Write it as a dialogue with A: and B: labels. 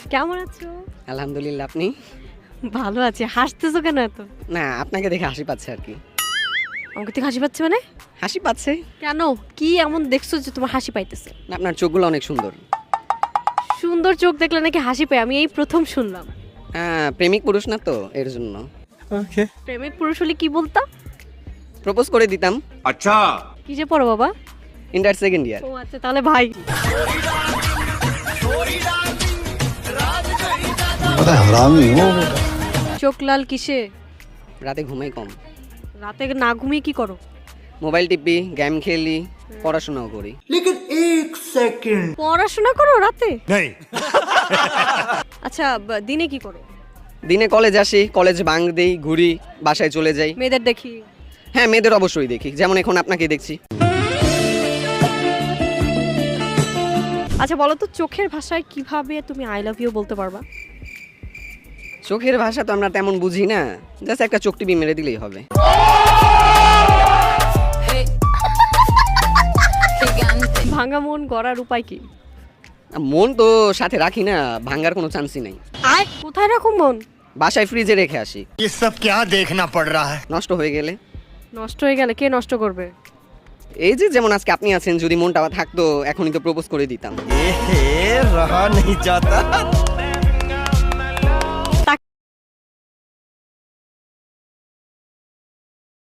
A: কেমন আছো?
B: আলহামদুলিল্লাহ, আপনি?
A: ভালো আছি। হাসতেছো কেন এত?
B: না, আপনাকে দেখে হাসি পাচ্ছে আর কি।
A: আমাকে থেকে হাসি পাচ্ছে মানে?
B: হাসি পাচ্ছে
A: কেন? কি এমন দেখছো যে তোমার হাসি পাইতেছে?
B: না, আপনার চোখগুলো অনেক সুন্দর।
A: সুন্দর চোখ দেখলে নাকি হাসি পায়? আমি এই প্রথম শুনলাম।
B: হ্যাঁ, প্রেমিক পুরুষ না তো এর জন্য।
A: প্রেমিক পুরুষ হলে কি বলতা?
B: প্রপোজ করে দিতাম।
C: अच्छा
A: কি যে পড়ো বাবা?
B: Inter second year.
A: ও আচ্ছা, তাহলে ভাই। চোখ লাল কিসে?
B: রাতে ঘুমাই কম,
A: রাতে না ঘুমিয়ে কি করো?
B: মোবাইল টিপি, গেম খেলি, পড়াশোনাও করি।
A: পড়াশোনা করো রাতে?
C: नहीं
A: আচ্ছা, দিনে কি করো?
B: দিনে কলেজ আসি, কলেজ ভাঙ দেই, ঘুরি, বাসায় চলে যাই।
A: মেয়েদের দেখি।
B: হ্যাঁ, মেয়েদের অবশ্যই দেখি, যেমন এখন আপনাকে দেখছি।
A: আচ্ছা বলো তো, চোখের ভাষায় কিভাবে তুমি আই লাভ ইউ বলতে পারবা?
B: চোখের ভাষা তো আমরা তেমন বুঝি না, জাস্ট একটা চোখ টিপি মেরে দিলেই হবে।
A: ভাঙা মন গড়ার উপায় কি?
B: মন তো সাথে রাখি না, ভাঙার কোনো চান্সই নাই।
A: কোথায় রাখো মন?
B: বাসায় ফ্রিজে রেখে আসি।
C: ये सब क्या देखना पड़ रहा है।
B: নষ্ট হয়ে গেলে?
A: নষ্ট হয়ে গেলে কে নষ্ট করবে?
B: এই যে যেমন আজকে আপনি আছেন, যদি মনটা থাকতো এখনই তো প্রপোজ করে দিতাম।
C: रहा नहीं जाता।